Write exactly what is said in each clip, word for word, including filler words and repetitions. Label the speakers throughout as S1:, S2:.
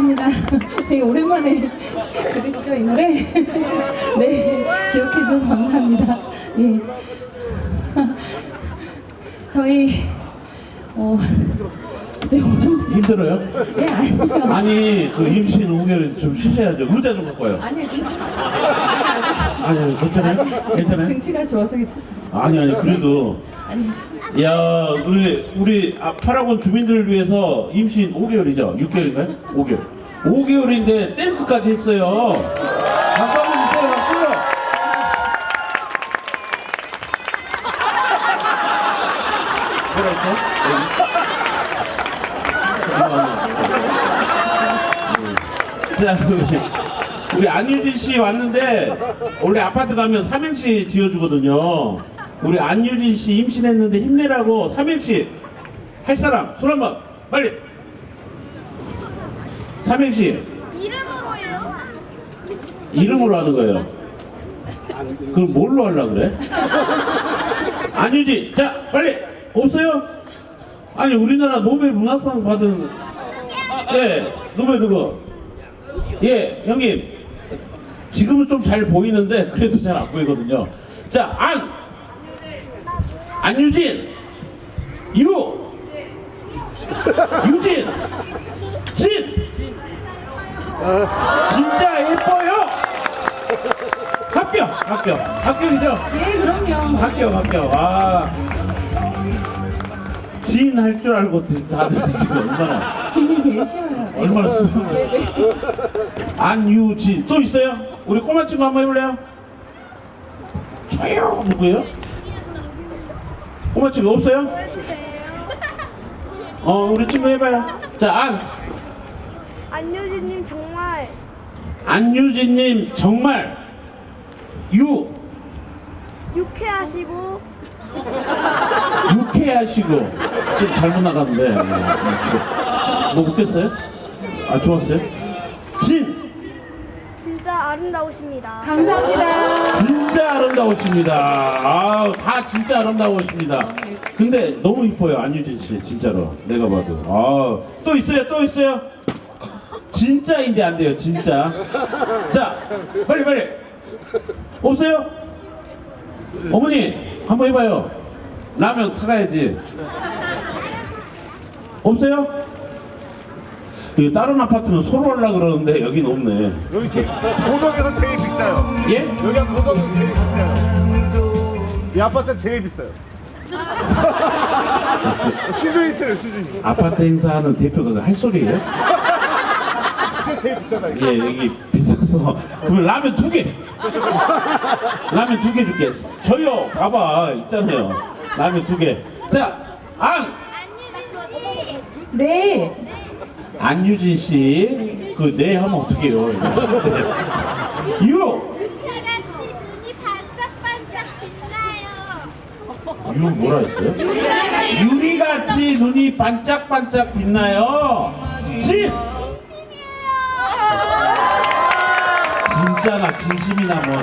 S1: 감사합니다. 되게 오랜만에 들으시죠, 이 노래? 네, 기억해 주셔서 감사합니다. 예. 저희, 어, 이제 엄청 됐어요.
S2: 힘들어요?
S1: 예, 아니요.
S2: 아니 그 임신 오 개월 좀 쉬셔야죠. 의자 좀 갖고 와요.
S1: 아니요, 괜찮습니다.
S2: 아니 괜찮아요? 괜찮아요?
S1: 등치가 좋아서 괜찮습니다.
S2: 아니 아니 그래도
S1: 아니,
S2: 야 우리 우리 아, 파라곤 주민들을 위해서 임신 오 개월이죠? 육 개월인가요? 오 개월. 오 개월인데 댄스까지 했어요. 박수 한번 주세요. 박수. 뭐라 했어? 자, 우리, 우리 안유진 씨 왔는데 원래 아파트 가면 삼행시 지어주거든요. 우리 안유진 씨 임신했는데 힘내라고 삼행시 할 사람 손 한번 빨리. 삼행시
S3: 이름으로요?
S2: 이름으로 하는 거예요. 그럼 뭘로 하려고 그래? 안유진 자 빨리 없어요? 아니 우리나라 노벨 문학상 받은 예 노벨 누구? 예 형님 지금은 좀 잘 보이는데 그래도 잘 안 보이거든요. 자 안 안유진 유 유진 진 진짜 예뻐요. 합격 합격 합격이죠?
S1: 예, 그럼요.
S2: 합격 합격. 아 진 할 줄 알고 다들 지금 얼마나
S1: 짐이 제일 쉬워요.
S2: 얼마나 수고해요.
S1: 네네.
S2: 안유진 또 있어요? 우리 꼬마 친구 한번 해볼래요? 저요 누구예요? 꼬마 친구 없어요? 어 우리 친구 해봐요. 자 안
S3: 안유진님 정말
S2: 안유진님 정말 유
S3: 유쾌하시고
S2: 유쾌하시고 좀 잘못 나갔는데 뭐 웃겼어요? 아 좋았어요? 진
S3: 진짜 아름다우십니다.
S1: 감사합니다.
S2: 진짜 아름다우십니다. 아, 다 진짜 아름다우십니다. 근데 너무 이뻐요 안유진 씨 진짜로 내가 봐도. 아, 또 있어요 또 있어요. 진짜인데 안 돼요 진짜. 자 빨리 빨리 없어요? 어머니 한번 해봐요. 라면 타가야지. 없어요? 그 다른 아파트는 서로 하려고 그러는데 여긴 없네.
S4: 여기 제 고덕에서 제일 비싸요.
S2: 예?
S4: 여기가 고덕에서 제일 비싸요. 이 아파트 제일 비싸요. 수준이 있어요, 수준이.
S2: 아파트 행사하는 대표가 할 소리예요?
S4: 진짜 제일 비싸다. 이거.
S2: 예, 여기 비싸서. 그러면 라면 두 개. 라면 두 개 줄게. 저요, 봐봐, 있잖아요. 라면 두 개. 자, 안!
S1: 네.
S2: 안유진 씨. 그, 네 하면 어떡해요. 유!
S3: 눈이 반짝반짝 빛나요.
S2: 유 뭐라 했어요? 유리같이 눈이 반짝반짝 빛나요. 진! 진짜나 진심이나 뭐.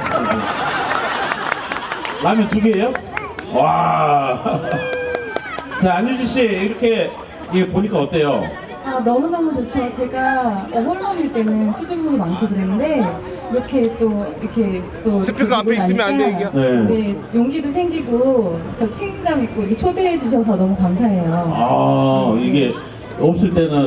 S2: 라면 두 개예요? 와. 자, 안유진 씨 이렇게 이게 보니까 어때요?
S1: 아, 너무너무 좋죠. 제가 어, 홀몸일 때는 수줍음이 많고 그랬는데 이렇게 또 이렇게 또
S4: 스피커 앞에 있으면 안 돼, 이게.
S2: 네.
S1: 네, 용기도 생기고 더 친근감 있고 이렇게 초대해 주셔서 너무 감사해요.
S2: 아, 이게 없을 때는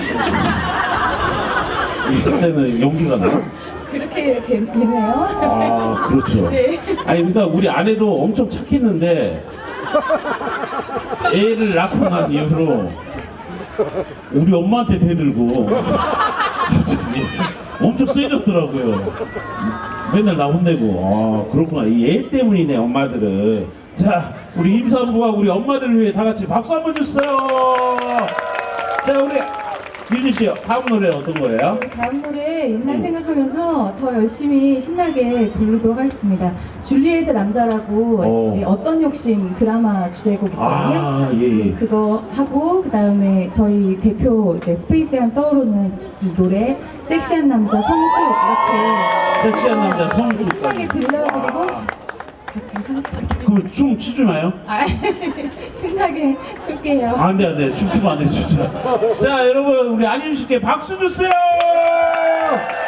S2: 있을 때는 용기가 나.
S1: 그렇게 되, 되네요.
S2: 아, 그렇죠.
S1: 네.
S2: 아니 그러니까 우리 아내도 엄청 착했는데 애를 낳고 난 이후로 우리 엄마한테 대들고 갑자기 엄청 세졌더라고요. 맨날 나 혼내고. 아 그렇구나. 이 애 때문이네 엄마들은. 자 우리 임산부와 우리 엄마들을 위해 다 같이 박수 한번 주세요. 자 우리 유진 씨 다음 노래 어떤 거예요?
S1: 다음 노래 옛날 생각하면서 더 열심히 신나게 부르도록 하겠습니다. 줄리엣의 남자라고
S2: 오.
S1: 네, 어떤 욕심 드라마 주제곡이거든요.
S2: 아 예. 예.
S1: 그거 하고 그 다음에 저희 대표 이제 스페이스에 하면 떠오르는 이 노래 섹시한 남자 성수 이렇게
S2: 섹시한 남자
S1: 신나게
S2: 성수까지.
S1: 들려드리고
S2: 그럼 춤 추주나요?
S1: 아, 신나게 출게요.
S2: 안 돼, 안 돼. 춤추면 안 돼, 춤추면. 자, 여러분, 우리 안윤 씨께 박수 주세요!